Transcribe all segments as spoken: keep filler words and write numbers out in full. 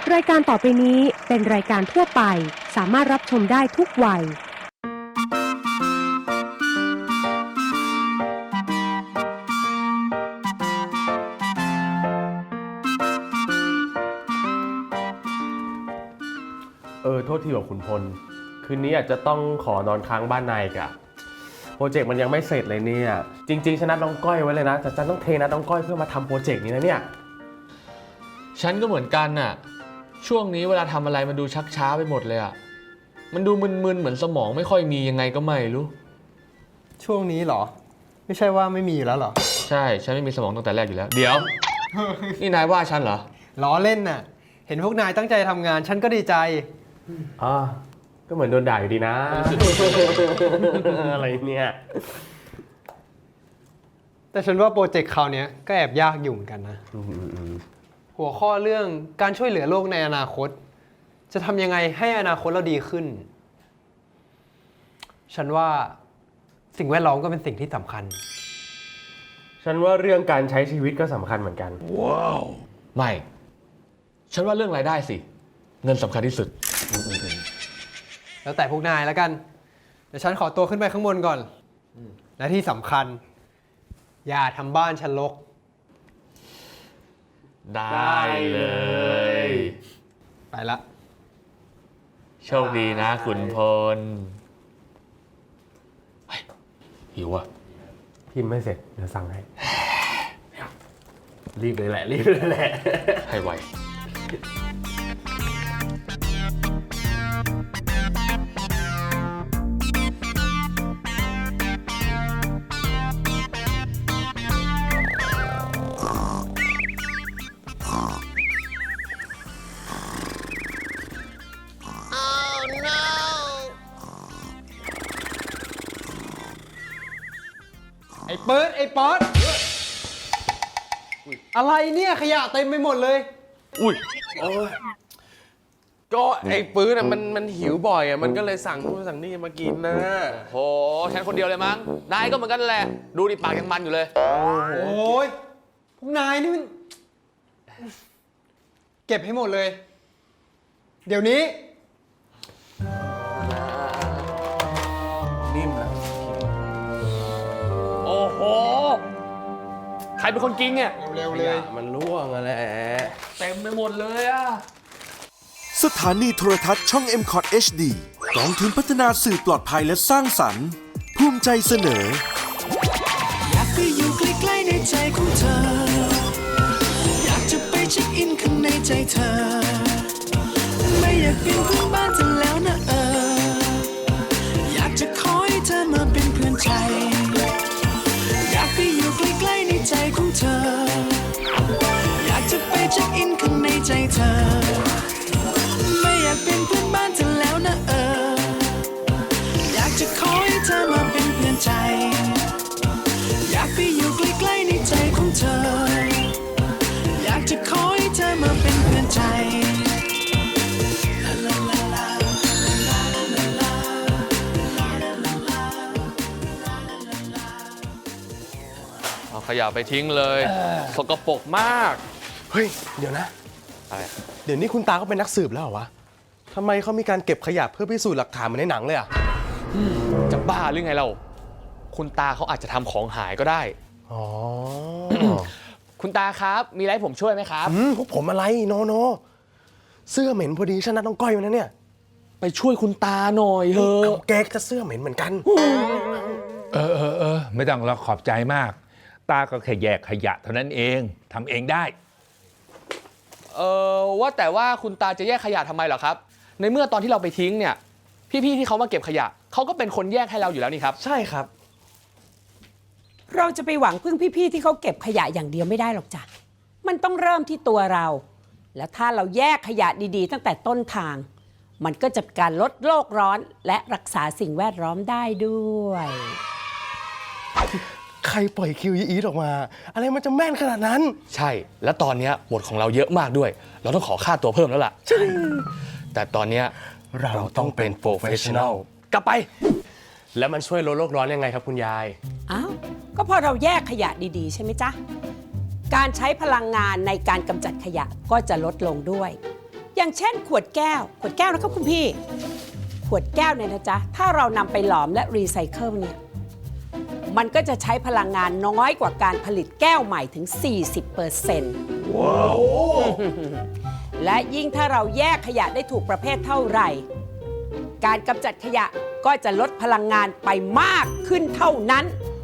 รายการต่อไปนี้เป็นรายการทั่วไปสามารถรับชมได้ทุกวัยเออโทษทีว่าคุณพลคืนนี้อาจจะต้องขอนอนค้างบ้านนายกะโปรเจกต์มันยังไม่เสร็จเลยเนี่ยจริงๆฉันนัดน้องก้อยไว้เลยนะแต่ฉันต้องเทนัดน้องก้อยเพื่อมาทำโปรเจกต์นี้นะเนี่ยฉันก็เหมือนกันน่ะช่วงนี้เวลาทำอะไรมันดูชักช้าไปหมดเลยอ่ะมันดูมึนๆเหมือนสมองไม่ค่อยมียังไงก็ไม่รู้ช่วงนี้เหรอไม่ใช่ว่าไม่มีอยู่แล้วเหรอใช่ฉันไม่มีสมองตั้งแต่แรกอยู่แล้วเดี๋ยว นี่นายว่าฉันเหรอล้อเล่นน่ะเห็นพวกนายตั้งใจทำงานฉันก็ดีใจอ๋อก็เหมือนโดนด่าอยู่ดีนะ อะไรเนี่ยแต่ฉันว่าโปรเจกต์คราวนี้ก็แอบยากอยู่เหมือนกันนะหัวข้อเรื่องการช่วยเหลือโลกในอนาคตจะทำยังไงให้อนาคตเราดีขึ้นฉันว่าสิ่งแวดล้อมก็เป็นสิ่งที่สำคัญฉันว่าเรื่องการใช้ชีวิตก็สำคัญเหมือนกันว้าวไม่ฉันว่าเรื่องรายได้สิเงินสำคัญที่สุดแล้วแต่พวกนายแล้วกันเดี๋ยวฉันขอตัวขึ้นไปข้างบนก่อนและที่สำคัญอย่าทำบ้านฉันรกได้เลยไปละโชคดีนะขุนพลหิวอ่ะพิมพ์ไม่เสร็จเดี๋ยวสั่งให้รีบเลยแหละรีบเลยแหละให้ไวไอ้เปิดไอ้ป๊อดอะไรเนี่ยขยะเต็มไปหมดเลยอุ้ยก็ไอ้ปื้นอ่ะมันมันหิวบ่อยอ่ะมันก็เลยสั่งนู่นสั่งนี่มากินนะโหฉันคนเดียวเลยมั้งนายก็เหมือนกันแหละดูดิปากยังมันอยู่เลยโอ้ยพวกนายนี่มันเก็บให้หมดเลยเดี๋ยวนี้นิ่มนะโอ้โหใครเป็นคนกินเนี่ยเร็วๆเลยมันร่วงอะไรเต็มไปหมดเลยอะสถานีโทรทัศน์ช่อง เอ็ม คอท เอช ดี กองทุนพัฒนาสื่อปลอดภัยและสร้างสรรค์ภูมิใจเสนออยากไปอยู่ใกล้ๆในใจของเธออยากจะไปเช็คอินข้างในใจเธอไม่อยากเป็นเพื่อนบ้านเธอแล้วนะเอออยากจะขอให้เธอมาเป็นเพื่อนใจอยากไปอยู่ใกล้ๆในใจของเธออยากจะไปเช็คอินข้างในใจเธอไม่อยากเป็นเพื่อนบ้านเธอแล้วนะเอออยากจะขอให้เธอมาเป็นเพื่อนใจอยากไปอยู่ใกล้ๆในใจของเธออยากจะขอให้เธอมาเป็นเพื่อนใจเอาขยะไปทิ้งเลยสกปรกมากเฮ้ยเดี๋ยวนะอะไรเดี๋ยวนี้คุณตาเขาเป็นนักสืบแล้วเหรอวะทำไมเขามีการเก็บขยะเพื่อพิสูจน์หลักฐานเหมือนในหนังเลยอ่ะจะบ้าหรือไงเราคุณตาเขาอาจจะทำของหายก็ได้อ๋อคุณตาครับมีอะไรผมช่วยไหมครับอืมพวกผมอะไรโนโนเสื้อเหม็นพอดีฉันนัดน้องก้อยมานะเนี่ยไปช่วยคุณตาหน่อยเถอะแกจะเสื้อเหม็นเหมือนกันเออเออเออไม่ต้องเราขอบใจมากตาก็แค่แยกขยะเท่านั้นเองทำเองได้เออว่าแต่ว่าคุณตาจะแยกขยะทำไมเหรอครับในเมื่อตอนที่เราไปทิ้งเนี่ยพี่ๆที่เขามาเก็บขยะเขาก็เป็นคนแยกให้เราอยู่แล้วนี่ครับใช่ครับเราจะไปหวังพึ่งพี่ๆที่เขาเก็บขยะอย่างเดียวไม่ได้หรอกจ้ะมันต้องเริ่มที่ตัวเราแล้วถ้าเราแยกขยะดีๆตั้งแต่ต้นทางมันก็จะการลดโลกร้อนและรักษาสิ่งแวดล้อมได้ด้วยใครปล่อยคิวอีทออกมาอะไรมันจะแม่นขนาดนั้นใช่และตอนนี้บทของเราเยอะมากด้วยเราต้องขอค่าตัวเพิ่มแล้วล่ะใช่แต่ตอนนี้เราต้องเป็นโปรเฟชชั่นอลกลับไปแล้วมันช่วยลดโลกร้อนยังไงครับคุณยายอ้าวก็พอเราแยกขยะดีๆใช่ไหมจ๊ะการใช้พลังงานในการกำจัดขยะก็จะลดลงด้วยอย่างเช่นขวดแก้ว ขวดแก้วนะครับคุณพี่ ขวดแก้วเนี่ยนะจ๊ะ ถ้าเรานำไปหลอมและรีไซเคิลเนี่ย มันก็จะใช้พลังงานน้อยกว่าการผลิตแก้วใหม่ถึง สี่สิบเปอร์เซ็นต์ ว้าว และยิ่งถ้าเราแยกขยะได้ถูกประเภทเท่าไหร่ การกำจัดขยะก็จะลดพลังงานไปมากขึ้นเท่านั้น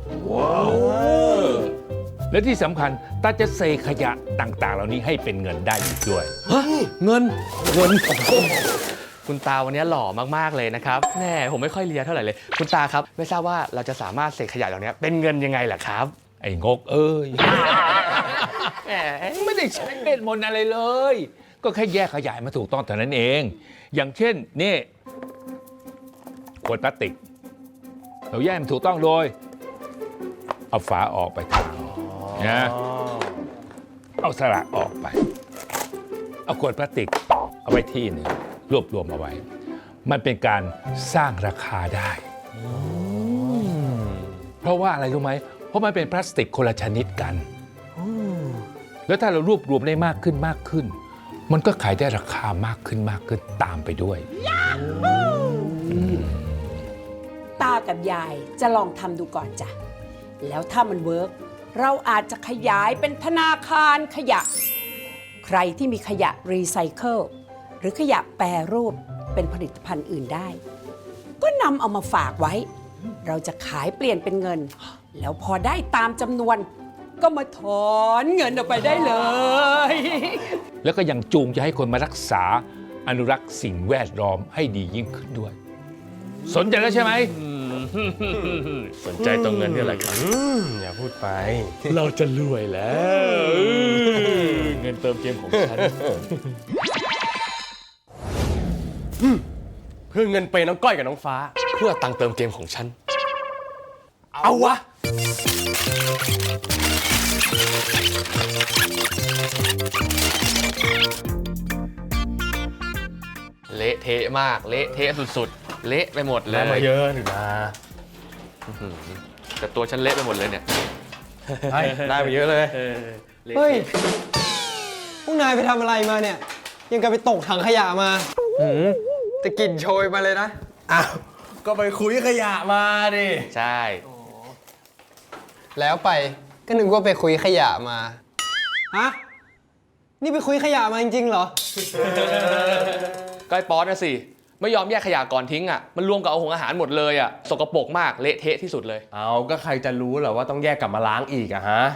และที่สำคัญตาจะเซขยะต่างๆ เหล่านี้ให้เป็นเงินได้อีกด้วยเงิน เงิน คุณตาวันนี้หล่อมากๆเลยนะครับแหมผมไม่ค่อยเลียเท่าไหร่เลย คุณตาครับ ไม่ทราบว่าเราจะสามารถเสกขยะเหล่านี้เป็นเงินยังไงล่ะครับไอ้งกเอ้ย แหมไม่ได้ใช้เวทมนต์อะไรเลย ก็แค่แยกขยะมาถูกต้องเท่านั้นเอง อย่างเช่นนี่ขวดพลาสติก เราแยกมันถูกต้องโดยเอาฝาออกไปทางนะเอาสระออกไป เอาขวดพลาสติกเอาไว้ที่หนึ่งรวบรวมเอาไว้ มันเป็นการสร้างราคาได้ เพราะว่าอะไรรู้ไหม เพราะมันเป็นพลาสติกคนละชนิดกัน แล้วถ้าเรารวบรวมได้มากขึ้นมากขึ้น มันก็ขายได้ราคามากขึ้นมากขึ้นตามไปด้วยตากับยายจะลองทำดูก่อนจ้ะ แล้วถ้ามันเวิร์กเราอาจจะขยายเป็นธนาคารขยะ ใครที่มีขยะรีไซเคิลหรือขยะแปรรูปเป็นผลิตภัณฑ์อื่นได้ ก็นำเอามาฝากไว้ เราจะขายเปลี่ยนเป็นเงิน แล้วพอได้ตามจำนวน ก็มาถอนเงินออกไปได้เลยแล้วก็ยังจูงจะให้คนมารักษาอนุรักษ์สิ่งแวดล้อมให้ดียิ่งขึ้นด้วย สนใจแล้วใช่ไหมสนใจตรงเงินนี่แหละครับอย่าพูดไปเราจะรวยแล้ว เงินเติมเกมของฉันเพื่อเงินเปย์น้องก้อยกับน้องฟ้าเพื่อตังค์เติมเกมของฉันเอาวะเละเทะมาก เละเทะสุดๆ เละไปหมดเลได้ยมาเยอะหนึ่งนะแต่ตัวฉันเละไปหมดเลยเนี่ยได้มาเยอะเลยเฮ้ย พวกนายไปทำอะไรมาเนี่ย ยังกับไปตกถังขยะมาแต่กลิ่นโชยมาเลยนะอ้าว ก็ไปคุยขยะมาดิใช่แล้วไปก็นึกว่าไปคุยขยะมา ฮะ นี่ไปคุยขยะมาจริงๆเหรอก็ไอ้ป๊อตนะสิ ไม่ยอมแยกขยะก่อนทิ้งอ่ะ มันรวมกับเอาหงอาหารหมดเลยอ่ะ สกปรกมาก เละเทะที่สุดเลยเอาก็ใครจะรู้เหรอว่าต้องแยกกลับมาล้างอีกอะฮะ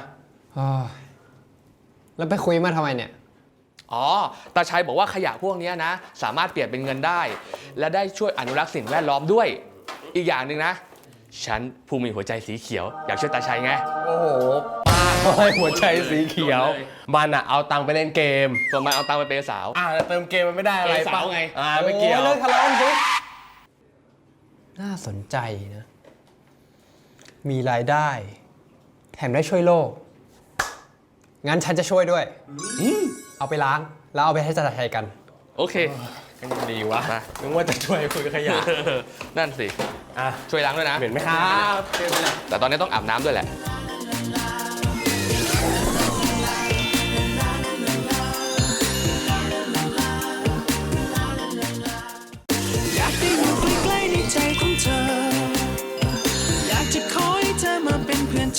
แล้วไปคุยมาทำไมเนี่ยอ๋อ ตาชัยบอกว่าขยะพวกนี้นะ สามารถเปลี่ยนเป็นเงินได้ และได้ช่วยอนุรักษ์สิ่งแวดล้อมด้วย อีกอย่างหนึ่งนะ ฉันผู้มีหัวใจสีเขียว อยากช่วยตาชัยไงโอ้โห ป้าเขาให้หัวใจสีเขียว มันอะเอาตังค์ไปเล่นเกมส่วนมันเอาตังค์ไปเปย์สาวอ่าเติมเกมมันไม่ได้อะไรเกมสาวปะไงอ่าไม่เกี่ยวโอ้เลิกทะเลาะกันสิน่าสนใจนะ มีรายได้ แถมได้ช่วยโลก งั้นฉันจะช่วยด้วย เอาไปล้าง แล้วเอาไปให้จัดใช้กันโอเคกันดีวะนึกว่าจะช่วยคุยขยะนั่นสิอ่ะช่วยล้างด้วยนะเหม็นไหมครับแต่ตอนนี้ต้องอาบน้ำด้วยแหละอยากได้อยู่ใกล้ๆในใจของเธอ อยากจะขอให้เธอมาเป็นเพื่อนใจ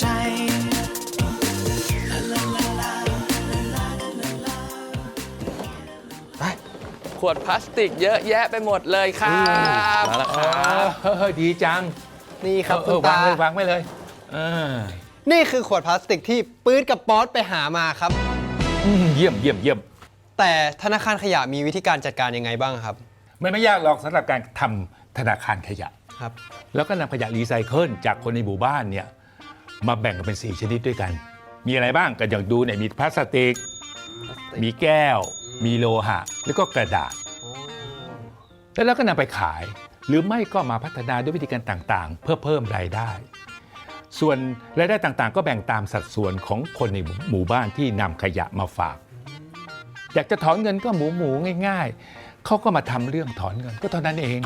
ขวดพลาสติกเยอะแยะไปหมดเลยครับมาแล้วครับเฮ้ยดีจังนี่ครับเอคุอณวางตาเลยวางไว้เลยเออนี่คือขวดพลาสติกที่ปื๊ดกับป๊อตไปหามาครับอืมเยี่ยมเยี่ยมเยี่ยมแต่ธนาคารขยะมีวิธีการจัดการยังไงบ้างครับมันไม่ยากหรอกสำหรับการทำธนาคารขยะครับแล้วก็นำขยะรีไซเคิลจากคนในหมู่บ้านเนี่ยมาแบ่งกันเป็นสี่ชนิดด้วยกัน มีอะไรบ้างก็อย่างดูเนี่ยมีพลาสติก มีแก้ว มีโลหะ แล้วก็กระดาษ แล้วเราก็นำไปขาย หรือไม่ก็มาพัฒนาด้วยวิธีการต่างๆ เพื่อเพิ่มรายได้ ส่วนรายได้ต่างๆ ก็แบ่งตามสัดส่วนของคนในหมู่บ้านที่นำขยะมาฝาก อยากจะถอนเงินก็หมูหมูง่ายๆเขาก็มาทำเรื่องถอนเงินก็เท่านั้นเอง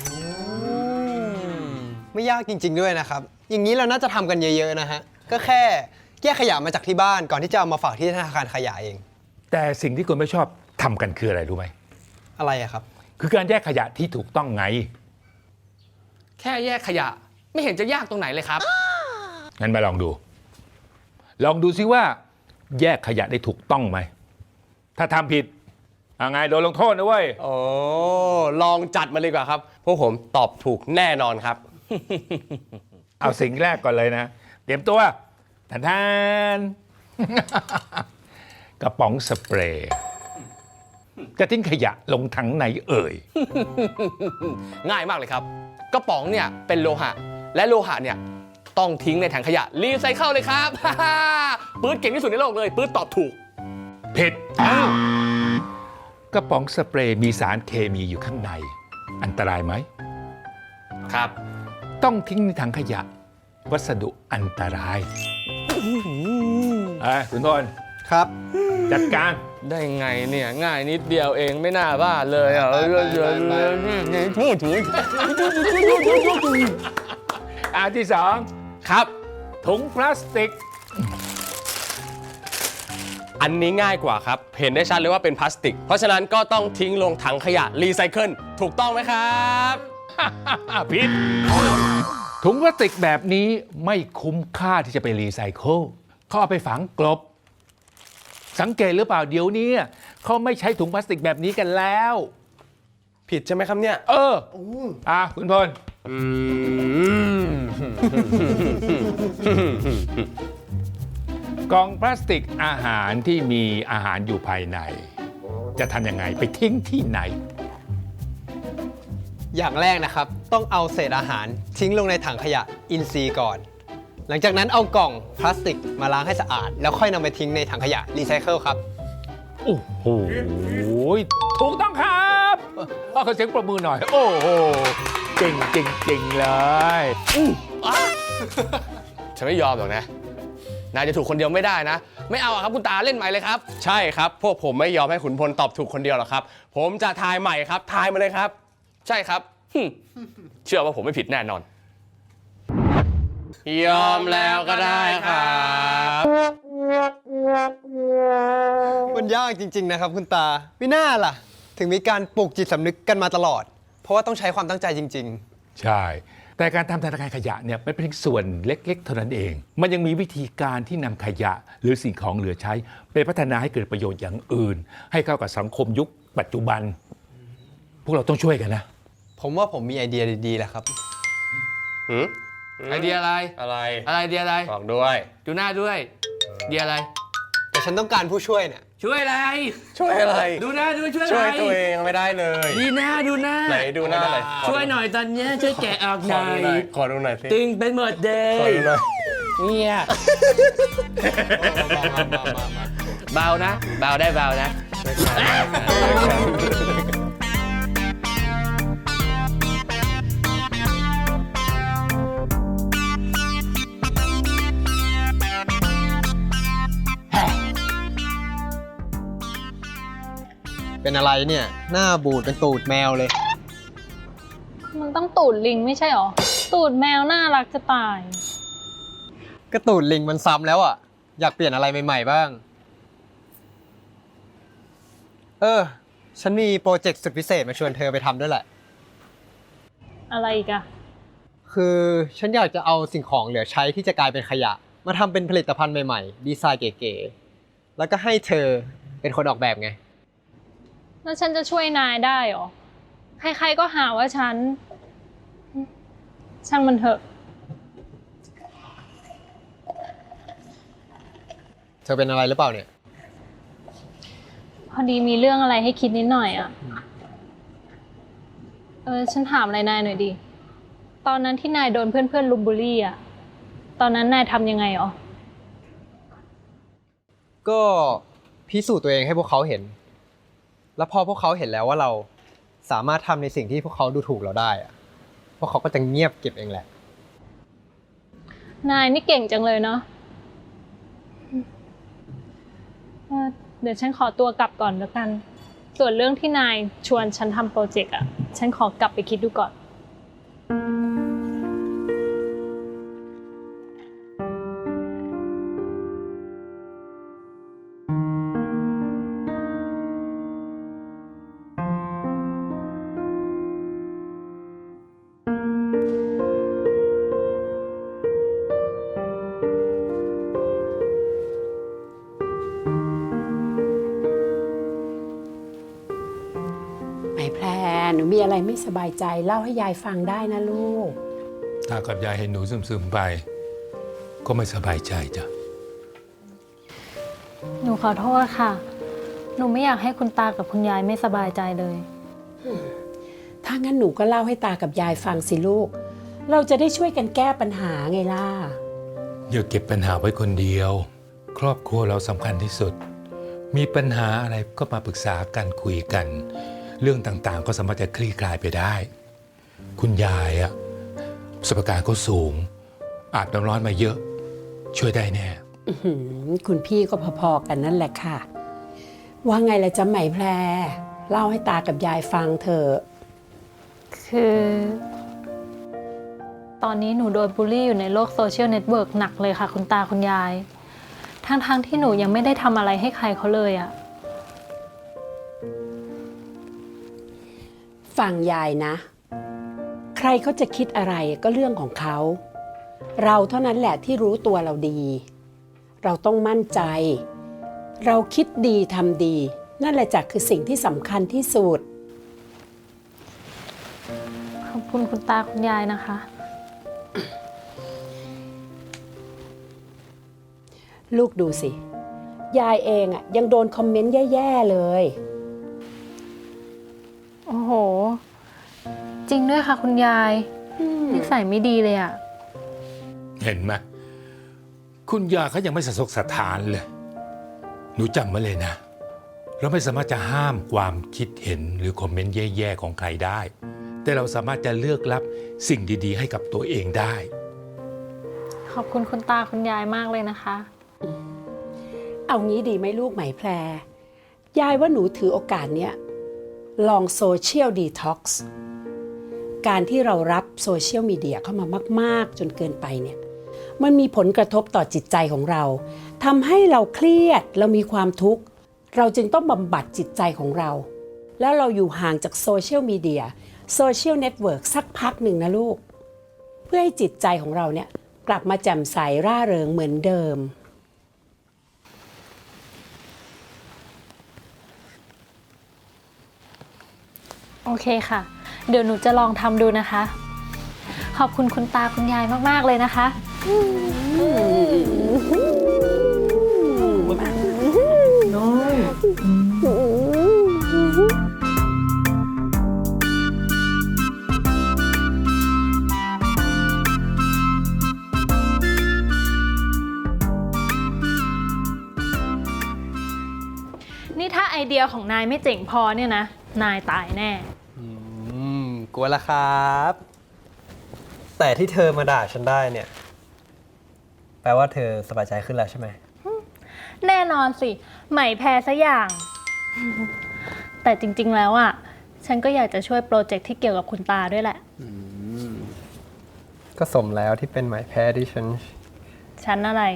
ไม่ยากจริง ๆ ด้วยนะครับ อย่างนี้เราน่าจะทำกันเยอะๆนะฮะ ก็แค่แยกขยะมาจากที่บ้านก่อนที่จะเอามาฝากที่ธนาคารขยะเองแต่สิ่งที่คนไม่ชอบทำกันคืออะไรรู้ไหมอะไรอะครับคือการแยกขยะที่ถูกต้องไงแค่แยกขยะไม่เห็นจะยากตรงไหนเลยครับงั้นมาลองดู ลองดูซิว่า แยกขยะได้ถูกต้องไหม ถ้าทำผิดเอาไงโดนลงโทษนะเว้ยโอ้ลองจัดมาเลยดีกว่าครับ พวกผมตอบถูกแน่นอนครับเอาสิ่งแรกก่อนเลยนะ เตรียมตัวทานทาน กระป๋องสเปรย์จะทิ้งขยะลงถังไหนเอ่ยง่ายมากเลยครับ กระป๋องเนี่ยเป็นโลหะ และโลหะเนี่ยต้องทิ้งในถังขยะรีไซเคิลเลยครับ ปื๊ดเก่งที่สุดในโลกเลยปื๊ดตอบถูกผิดอ้าวกระป๋องสเปรย์มีสารเคมีอยู่ข้างใน อันตรายไหมครับต้องทิ้งในถังขยะ วัสดุอันตรายอ่ะคุณพลครับจัดการได้ไงเนี่ยง่ายนิดเดียวเองไม่น่าบ้าเลยอ่ะพูดถึงอันที่สองครับถุงพลาสติกอันนี้ง่ายกว่าครับ เห็นได้ชัดเลยว่าเป็นพลาสติก เพราะฉะนั้นก็ต้องทิ้งลงถังขยะรีไซเคิลถูกต้องไหมครับผิดถุงพลาสติกแบบนี้ไม่คุ้มค่าที่จะไปรีไซเคิลเขาเอาไปฝังกลบ สังเกตหรือเปล่าเดี๋ยวนี้เขาไม่ใช้ถุงพลาสติกแบบนี้กันแล้วผิดใช่ไหมครับเนี่ยเอออ่ะคุณพลอืมกล่องพลาสติกอาหารที่มีอาหารอยู่ภายใน จะทำยังไงไปทิ้งที่ไหนอย่างแรกนะครับ ต้องเอาเศษอาหารทิ้งลงในถังขยะอินทรีย์ก่อน หลังจากนั้นเอากล่องพลาสติกมาล้างให้สะอาด แล้วค่อยนำไปทิ้งในถังขยะรีไซเคิลครับโอ้โหถูกต้องครับขอเสียงประมือหน่อย โอ้โหเก่งจริงๆเลยฉันไม่ยอมหรอกนะนายจะถูกคนเดียวไม่ได้นะ ไม่เอาอะครับคุณตาเล่นใหม่เลยครับใช่ครับ พวกผมไม่ยอมให้ขุนพลตอบถูกคนเดียวหรอกครับ ผมจะทายใหม่ครับ ทายมาเลยครับใช่ครับหึ่มเชื่อว่าผมไม่ผิดแน่นอนยอมแล้วก็ได้ครับมันยากจริง ๆ นะครับคุณตาไม่น่าล่ะ ถึงมีการปลูกจิตสำนึกกันมาตลอด เพราะว่าต้องใช้ความตั้งใจจริงใช่ แต่การทำธนาคารขยะเนี่ยไม่เป็นเพียงส่วนเล็กๆ เท่านั้นเอง มันยังมีวิธีการที่นำขยะหรือสิ่งของเหลือใช้ไปพัฒนาให้เกิดประโยชน์อย่างอื่น ให้เข้ากับสังคมยุคปัจจุบัน พวกเราต้องช่วยกันนะๆ ผมว่าผมมีไอเดียดีๆแหละครับหืมไอเดียอะไรอะไรอะไรไอเดียอะไรบอกด้วยดูหน้าด้วยไอเดียอะไรแต่ฉันต้องการผู้ช่วยเนี่ยช่วยอะไรช่วยอะไรดูหน้าด้วยช่วยอะไรช่วยตัวเองไม่ได้เลยดีหน้าดูหน้าไหนดูหน้าเลยช่วยหน่อยตอนเนี้ยช่วยแกะออกขหอน่อดูหน่อย ยขอดูหน่อยสิตึงเป็นหมดเลขอย ดูหน่อยเนี่ยเบานะ เบาได้เบานะเป็นอะไรเนี่ย หน้าบูดเป็นตูดแมวเลยมันต้องตูดลิงไม่ใช่หรอ ตูดแมวน่ารักจะตายก็ตูดลิงมันซ้ำแล้วอ่ะ อยากเปลี่ยนอะไรใหม่ๆบ้าง เออ ฉันมีโปรเจกต์สุดพิเศษมาชวนเธอไปทำด้วยแหละอะไรอีกอะคือฉันอยากจะเอาสิ่งของเหลือใช้ที่จะกลายเป็นขยะ มาทำเป็นผลิตภัณฑ์ใหม่ๆ ดีไซน์เก๋ๆ แล้วก็ให้เธอเป็นคนออกแบบไงแล้วฉันจะช่วยนายได้หรอ ใครๆก็หาว่าฉัน ช่างมันเถอะเธอเป็นอะไรหรือเปล่าเนี่ยพอดีมีเรื่องอะไรให้คิดนิดหน่อยอะเออฉันถามอะไรนายหน่อยดิ ตอนนั้นที่นายโดนเพื่อนๆลุมบูลลี่อะตอนนั้นนายทำยังไงหรอก็พิสูจน์ตัวเองให้พวกเขาเห็น แล้วพอพวกเขาเห็นแล้วว่าเราสามารถทำในสิ่งที่พวกเขาดูถูกเราได้อะพวกเขาก็จะเงียบเก็บเองแหละนายนี่เก่งจังเลยเนาะเออเดี๋ยวฉันขอตัวกลับก่อนแล้วกัน ส่วนเรื่องที่นายชวนฉันทำโปรเจกต์อะฉันขอกลับไปคิดดูก่อนหนูมีอะไรไม่สบายใจเล่าให้ยายฟังได้นะลูกตากับยายเห็นหนูซึมๆไป ก็ไม่สบายใจจ้ะหนูขอโทษค่ะ หนูไม่อยากให้คุณตากับคุณยายไม่สบายใจเลยถ้างั้นหนูก็เล่าให้ตากับยายฟังสิลูก เราจะได้ช่วยกันแก้ปัญหาไงล่ะอย่าเก็บปัญหาไว้คนเดียว ครอบครัวเราสำคัญที่สุด มีปัญหาอะไรก็มาปรึกษากันคุยกัน เรื่องต่างๆ ก็สามารถจะคลี่คลายไปได้ คุณยายอะประสบการณ์เขาสูง อาบน้ำร้อนมาเยอะ ช่วยได้แน่อื้อหือคุณพี่ก็พอๆกันนั่นแหละค่ะ ว่าไงล่ะจ๊ะไหมแพร เล่าให้ตากับยายฟังเถอะคือ ตอนนี้หนูโดนบูลลี่อยู่ในโลกโซเชียลเน็ตเวิร์กหนักเลยค่ะ คุณตาคุณยาย ทั้งๆทที่หนูยังไม่ได้ทำอะไรให้ใครเขาเลยอะฟังยายนะ ใครเขาจะคิดอะไรก็เรื่องของเขา เราเท่านั้นแหละที่รู้ตัวเราดี เราต้องมั่นใจ เราคิดดีทำดี นั่นแหละจ้ะคือสิ่งที่สำคัญที่สุดขอบคุณคุณตาคุณยายนะคะลูกดูสิ ยายเองอ่ะยังโดนคอมเมนต์แย่ๆเลยโอ้โห จริงด้วยค่ะคุณยายนิสัยไม่ดีเลยอะเห็นไหมคุณยายเขายังไม่สะทกสะท้านเลย หนูจำไว้เลยนะ เราไม่สามารถจะห้ามความคิดเห็นหรือคอมเมนต์แย่ๆของใครได้ แต่เราสามารถจะเลือกรับสิ่งดีๆ ให้กับตัวเองได้ขอบคุณคุณตาคุณยายมากเลยนะคะเอางี้ดีไหมลูกไหมแพร ยายว่าหนูถือโอกาสเนี้ยลองโซเชียลดีท็อกซ์การที่เรารับโซเชียลมีเดียเข้ามามากๆจนเกินไปเนี่ยมันมีผลกระทบต่อจิตใจของเราทำให้เราเครียดเรามีความทุกข์เราจึงต้องบำบัดจิตใจของเรา แล้วเราอยู่ห่างจากโซเชียลมีเดียโซเชียลเน็ตเวิร์กสักพักหนึ่งนะลูก เพื่อให้จิตใจของเราเนี่ยกลับมาแจ่มใสร่าเริงเหมือนเดิมโอเคค่ะ เดี๋ยวหนูจะลองทำดูนะคะ ขอบคุณคุณตาคุณยายมากๆเลยนะคะ นี่ถ้าไอเดียของนายไม่เจ๋งพอเนี่ยนะ นายตายแน่อืมกลัวละครับ แต่ที่เธอมาด่าฉันได้เนี่ย แปลว่าเธอสบายใจขึ้นแล้วใช่ไหมแน่นอนสิ ใหม่แพ้ซะอย่าง แต่จริงๆแล้วอ่ะ ฉันก็อยากจะช่วยโปรเจกต์ที่เกี่ยวกับคุณตาด้วยแหละก็สมแล้วที่เป็นหมายแพ้ที่ฉันฉันอะไร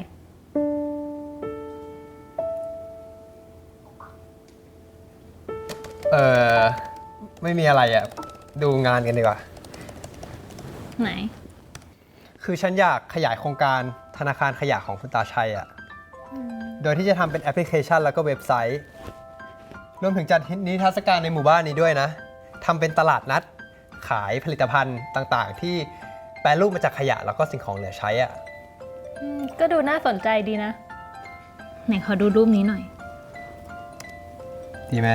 เออไม่มีอะไรอ่ะ ดูงานกันดีกว่าไหนคือฉันอยากขยายโครงการธนาคารขยะของคุณตาชัยอ่ะ โดยที่จะทำเป็นแอปพลิเคชันแล้วก็เว็บไซต์ รวมถึงจัดนิทรรศการในหมู่บ้านนี้ด้วยนะ ทำเป็นตลาดนัดขายผลิตภัณฑ์ต่างๆ ที่แปรรูปมาจากขยะแล้วก็สิ่งของเหลือใช้อ่ะก็ดูน่าสนใจดีนะ ไหนขอดูรูปนี้หน่อยดีไหม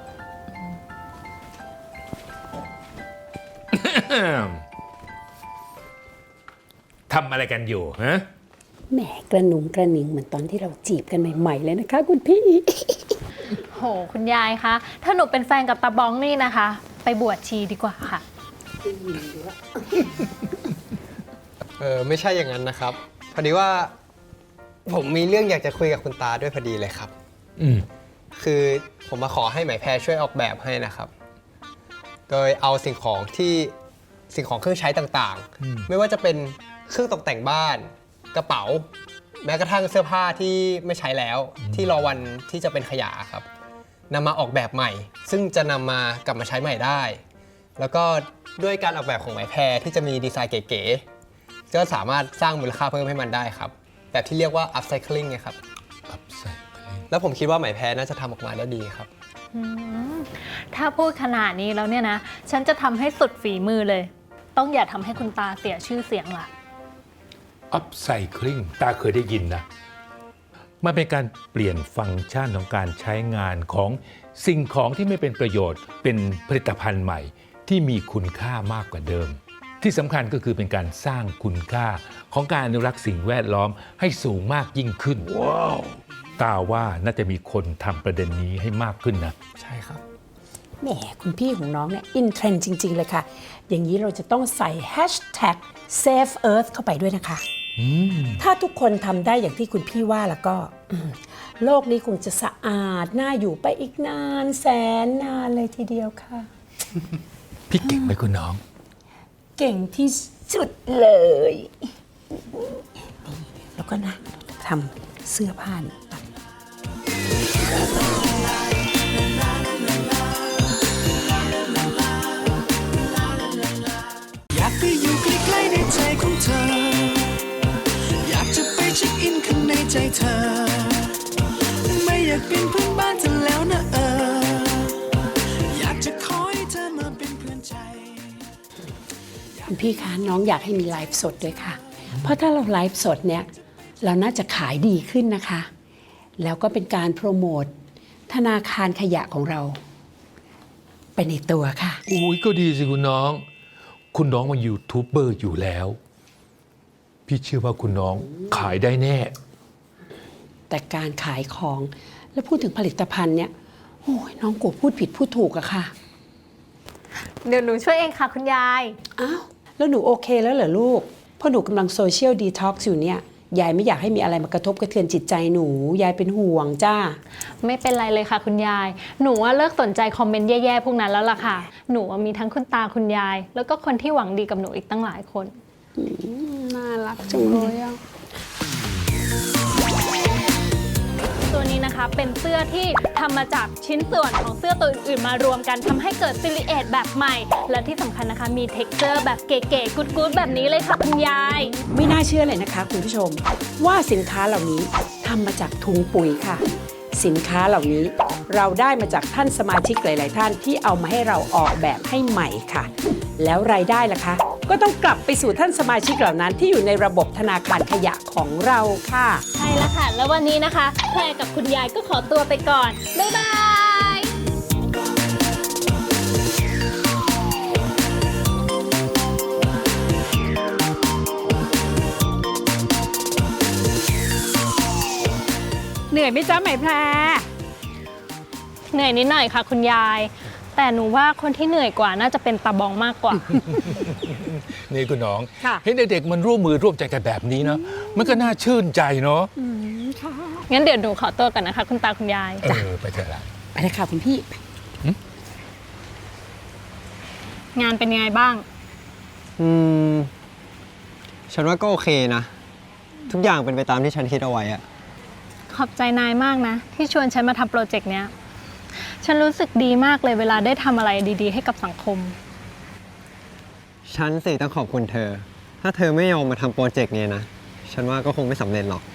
ทำอะไรกันอยู่ฮะแหมกระหนุงกระหนิงเหมือนตอนที่เราจีบกันใหม่ๆเลยนะคะคุณพี่โห คุณยายคะ ถ้าหนูเป็นแฟนกับตาบ้องนี่นะคะ ไปบวชชีดีกว่าค่ะเออไม่ใช่อย่างนั้นนะครับ พอดีว่าผมมีเรื่องอยากจะคุยกับคุณตาด้วยพอดีเลยครับอืมคือผมมาขอให้ไหมแพรช่วยออกแบบให้นะครับ โดยเอาสิ่งของที่สิ่งของเครื่องใช้ต่างๆ ไม่ว่าจะเป็นเครื่องตกแต่งบ้านกระเป๋า แม้กระทั่งเสื้อผ้าที่ไม่ใช้แล้วที่รอวันที่จะเป็นขยะครับนำมาออกแบบใหม่ ซึ่งจะนำมากลับมาใช้ใหม่ได้ แล้วก็ด้วยการออกแบบของไหมแพรที่จะมีดีไซน์เก๋ๆก็สามารถสร้างมูลค่าเพิ่มให้มันได้ครับแบบที่เรียกว่า upcycling ไงครับ upcycling แล้วผมคิดว่าไหมแพรน่าจะทำออกมาได้ดีครับอืมถ้าพูดขนาดนี้แล้วเนี่ยนะ ฉันจะทำให้สุดฝีมือเลย ต้องอย่าทำให้คุณตาเสียชื่อเสียงล่ะ upcycling ตาเคยได้ยินนะมันเป็นการเปลี่ยนฟังก์ชันของการใช้งานของสิ่งของที่ไม่เป็นประโยชน์เป็นผลิตภัณฑ์ใหม่ที่มีคุณค่ามากกว่าเดิม ที่สำคัญก็คือเป็นการสร้างคุณค่าของการอนุรักษ์สิ่งแวดล้อมให้สูงมากยิ่งขึ้น ว้าว ตาว่าน่าจะมีคนทำประเด็นนี้ให้มากขึ้นนะใช่ครับแหมคุณพี่ของน้องเนี่ยอินเทรนด์จริง ๆ เลยค่ะ อย่างนี้เราจะต้องใส่ แฮชแท็ก เซฟเอิร์ธ เข้าไปด้วยนะคะ ถ้าทุกคนทำได้อย่างที่คุณพี่ว่าแล้วก็อืมโลกนี้คงจะสะอาดน่าอยู่ไปอีกนานแสนนานเลยทีเดียวค่ะพี่เก่งไหมคุณน้องเก่งที่สุดเลยแล้วก็นะทำเสื้อผ้านี่อยากไปอยู่ใกล้ๆในใจของเธอ อยากจะไปเช็คอินข้างในใจเธอ ไม่อยากเป็นเพื่อนบ้านเธอแล้วนะเออ อยากจะขอให้เธอมาเป็นเพื่อนใจคุณพี่คะน้องอยากให้มีไลฟ์สดด้วยค่ะ เพราะถ้าเราไลฟ์สดเนี่ยเราน่าจะขายดีขึ้นนะคะ แล้วก็เป็นการโปรโมทธนาคารขยะของเราไปในตัวค่ะอุ้ยก็ดีสิคุณน้อง คุณน้องมายูทูบเบอร์อยู่แล้ว พี่เชื่อว่าคุณน้องขายได้แน่แต่การขายของแล้วพูดถึงผลิตภัณฑ์เนี่ยโอ้ยน้องกลัวพูดผิดพูดถูกอะค่ะเดี๋ยวหนูช่วยเองค่ะคุณยายอ้าวแล้วหนูโอเคแล้วเหรอลูกเพราะหนูกำลังโซเชียลดีท็อกซ์อยู่เนี่ยยายไม่อยากให้มีอะไรมากระทบกระเทือนจิตใจหนูยายเป็นห่วงจ้าไม่เป็นไรเลยค่ะคุณยาย หนูว่าเลิกสนใจคอมเมนต์แย่ๆพวกนั้นแล้วล่ะค่ะ หนูว่ามีทั้งคุณตาคุณยาย แล้วก็คนที่หวังดีกับหนูอีกตั้งหลายคนน่ารักจังเลยอะตัวนี้นะคะเป็นเสื้อที่ทำมาจากชิ้นส่วนของเสื้อตัวอื่นๆมารวมกันทำให้เกิดซิลิเอทแบบใหม่ และที่สำคัญนะคะมีเท็กเจอร์แบบเก๋ๆกุ๊ดๆแบบนี้เลยค่ะคุณยายไม่น่าเชื่อเลยนะคะคุณผู้ชมว่าสินค้าเหล่านี้ทำมาจากถุงปุ๋ยค่ะ สินค้าเหล่านี้เราได้มาจากท่านสมาชิกหลาย ๆ ท่านที่เอามาให้เราออกแบบให้ใหม่ค่ะ แล้วรายได้ล่ะคะก็ต้องกลับไปสู่ท่านสมาชิกเหล่านั้นที่อยู่ในระบบธนาคารขยะของเราค่ะใช่แล้วค่ะ แล้ววันนี้นะคะแพรกับคุณยายก็ขอตัวไปก่อน บ๊ายบายเหนื่อยไหมจ๊ะไหมแพรเหนื่อยนิดหน่อยค่ะคุณยาย แต่หนูว่าคนที่เหนื่อยกว่าน่าจะเป็นตาบองมากกว่านี่คุณน้องค่ะเห็นเด็กๆมันร่วมมือร่วมใจกันแบบนี้เนาะมันก็น่าชื่นใจเนาะงั้นเดี๋ยวหนูขอตัวกันนะคะ คุณตาคุณยายเออไปเถอะละไปเลยค่ะคุณพี่งานเป็นยังไงบ้างอืม ฉันว่าก็โอเคนะ ทุกอย่างเป็นไปตามที่ฉันคิดเอาไว้อะขอบใจนายมากนะ ที่ชวนฉันมาทำโปรเจกต์เนี้ย ฉันรู้สึกดีมากเลยเวลาได้ทำอะไรดีๆ ให้กับสังคมฉันสิต้องขอบคุณเธอ ถ้าเธอไม่ยอมมาทำโปรเจกต์นี้นะ ฉันว่าก็คงไม่สำเร็จหรอก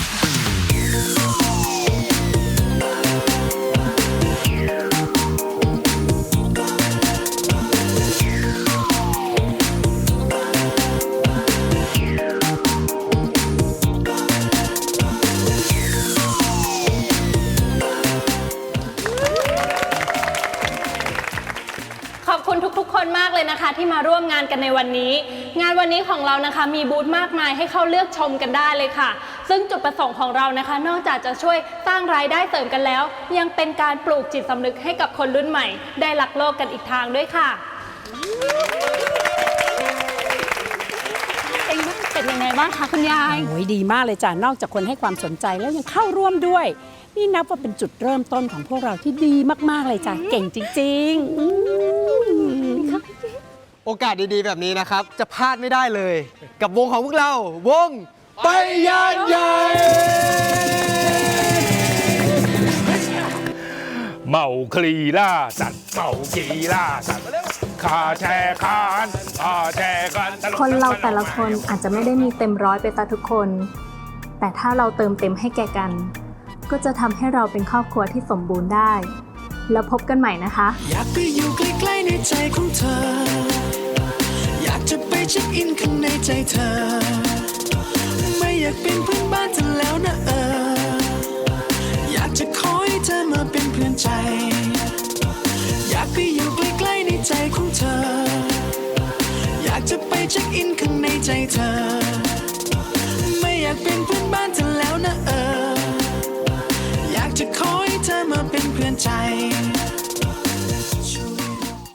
ขอบคุณทุกๆ คนมากเลยนะคะ ที่มาร่วมงานกันในวันนี้ งานวันนี้ของเรานะคะมีบูธมากมายให้เข้าเลือกชมกันได้เลยค่ะ ซึ่งจุดประสงค์ของเรานะคะ นอกจากจะช่วยสร้างรายได้เสริมกันแล้ว ยังเป็นการปลูกจิตสำนึกให้กับคนรุ่นใหม่ ได้รักโลกกันอีกทางด้วยค่ะเป็นยังไงบ้างคะคุณยายโอ้ยดีมากเลยจ้ะนอกจากคนให้ความสนใจแล้วยังเข้าร่วมด้วย นี่นับว่าเป็นจุดเริ่มต้นของพวกเราที่ดีมากๆเลยจ้ะเก่งจริงๆอืมโอกาสดีๆแบบนี้นะครับ จะพลาดไม่ได้เลย กับวงของพวกเรา วงไปยานใหญ่เมาคลีล่าสัตว์เมากีล่าสัตว์คาแชร์คานคาแชร์กันคนเราแต่ละคนอาจจะไม่ได้มีเต็มร้อยไปตามทุกคน แต่ถ้าเราเติมเต็มให้แก่กัน ก็จะทำให้เราเป็นครอบครัวที่สมบูรณ์ได้แล้วพบกันใหม่นะคะอยากไปอยู่ใกล้ๆในใจของเธอ อยากจะไปเช็คอินข้างในใจเธอ ไม่อยากเป็นเพื่อนบ้านเธอแล้วนะเออ อยากจะขอให้เธอมาเป็นเพื่อนใจ อยากไปอยู่ใกล้ๆในใจของเธอ อยากจะไปเช็คอินข้างในใจเธอ ไม่อยากเป็นเพื่อนบ้านเธอแล้วนะเออ อยากจะขอให้เธอมาเป็นเพื่อนใจ